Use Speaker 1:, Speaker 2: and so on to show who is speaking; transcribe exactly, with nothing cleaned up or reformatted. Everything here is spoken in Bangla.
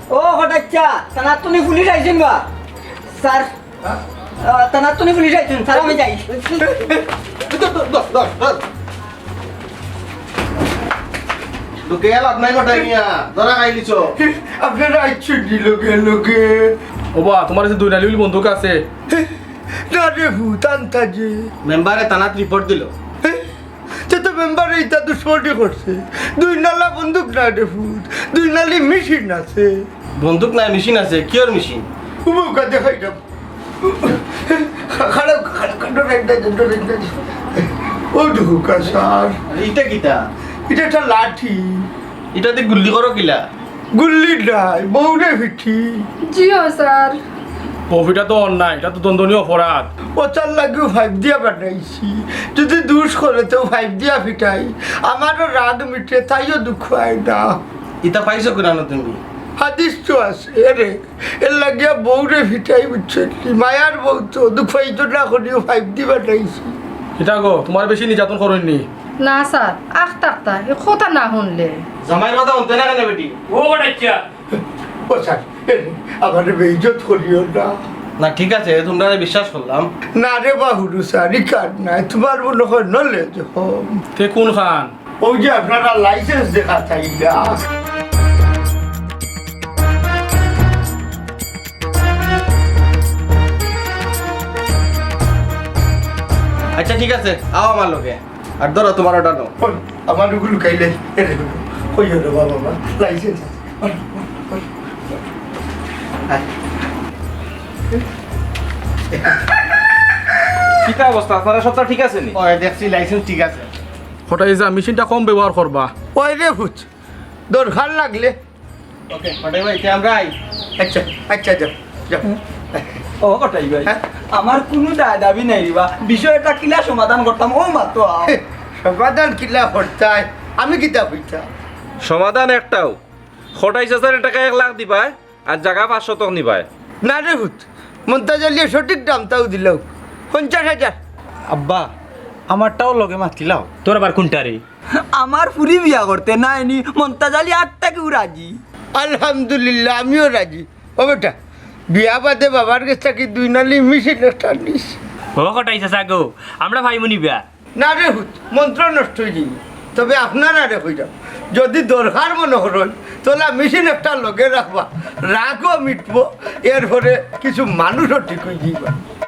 Speaker 1: ও হঠাচ্ছা তানার তুমি পুলিশ আইছেন বা স্যার তানার তুমি পুলিশ আইছেন স্যার আমি যাই
Speaker 2: লোকে লাভ নাই ঘটাই নিয়া ধরা খাই লিছ
Speaker 3: আপনারা আইছেন নি লোকে লোকে
Speaker 4: ওবা তোমার কাছে দুই নালি বন্দুক আছে
Speaker 3: না রে ভূত আনতাজি
Speaker 2: মেম্বারে থানাত রিপোর্ট দিল
Speaker 3: সে তো মেম্বার এইটা দুশ্মনী করছে দুই নালা বন্দুক না রে ভূত দুই নালি মেশিন আছে
Speaker 2: বন্দুক নাই মেশিন আছে কিয়র মেশিন
Speaker 3: উমুকা দেখাই যাব খারাপ খারাপ ডরেন্টা ডরেন্টা ও ঢুকা স্যার
Speaker 2: ইটা কিটা
Speaker 3: এটা একটা লাঠি
Speaker 2: ইটাতে গুল্লি করো কিলা
Speaker 3: গুল্লি নাই বউরে পিঠি
Speaker 5: জিও স্যার
Speaker 4: কফিটা তো অন্যায় এটা তো দণ্ডনীয় অপরাধ
Speaker 3: ওটার লাগেও ফাইভ দিয়া বানাইছি যদি দুষ করে তো ফাইভ দিয়া ফিটাই আমারও রাগ মিটে তাইও দুঃখ হয় না
Speaker 2: ইটা পাইছো কিনা তুমি
Speaker 3: হাদিস তো আছে রে এর লাগিয়া বউরে ফিটাই বুঝছেন মায়ার বউ তো দুঃখ হইতো না করিও ফাইভ দি বানাইছি
Speaker 4: এটা গো তোমার বেশি নির্যাতন করেননি
Speaker 5: না স্যার আখ টাকতা এ কথা না শুনলে
Speaker 2: জামাইয়ের কথা শুনতে না কেন বেটি
Speaker 4: ও বাচ্চা
Speaker 3: ও স্যার আমার বেইজত করিও না
Speaker 2: না ঠিক আছে তোমরা বিশ্বাস করলাম
Speaker 3: না রে বাহুরু স্যার ইকার নাই তোমার মনে হয় নলে যখন
Speaker 4: তে কোন খান
Speaker 3: ওই যে আপনারা লাইসেন্স দেখা চাই না
Speaker 2: আচ্ছা ঠিক আছে আও আমার লোকে আর ধরো তোমার ওটা নাও
Speaker 3: আমার ওগুলো খাইলে এরে ওই হলো বাবা মা লাইসেন্স
Speaker 6: কিতা অবস্থা আপনারা সবটা ঠিক আছে নি
Speaker 2: ও দেখছি লাইসেন্স ঠিক আছে
Speaker 4: হঠাৎ যা মেশিনটা কম ব্যবহার করবা
Speaker 3: ওই রে ভূত দরকার লাগলে
Speaker 2: ওকে হটাই ভাই তে আমরা আই
Speaker 3: আচ্ছা আচ্ছা যাও যাও
Speaker 1: ও হঠাই ভাই
Speaker 3: হ্যাঁ?
Speaker 1: আমার কোনো দায় দাবি নাই রিবা বিষয়টা কিলা সমাধান করতাম ও মাত্র আও।
Speaker 3: সমাধান কিলা হরতায় আমি কিতা হইতাম
Speaker 6: সমাধান একটাও খটাইশ হাজার টাকা এক লাখ দিবাই আর জায়গা পাঁচশো টক নিবাই
Speaker 3: না রে ভূত মন্তা জ্বালিয়ে সঠিক দাম তাও দিলাও পঞ্চাশ হাজার
Speaker 7: আব্বা আমারটাও লগে মাতিলাও তোর আবার কোনটা রে
Speaker 1: আমার পুরি বিয়া করতে নাই নি মন্তাজালি আটটা কেউ রাজি
Speaker 3: আলহামদুলিল্লাহ আমিও রাজি ও বেটা বিয়া বাদে বাবার কাছ থেকে দুই নালি মিশিয়ে একটা নিস
Speaker 7: ও কটাইছে সাগো আমরা ভাইমু নিবা
Speaker 3: না রে হুত মন্ত্র নষ্ট হয়ে যাবে তবে আপনারা রে হয়ে যাও যদি দরকার মনে করেন তাহলে মেশিন একটা লগে রাখবা রাগও মিটবো এরপরে কিছু মানুষও ঠিক হয়ে যাইবা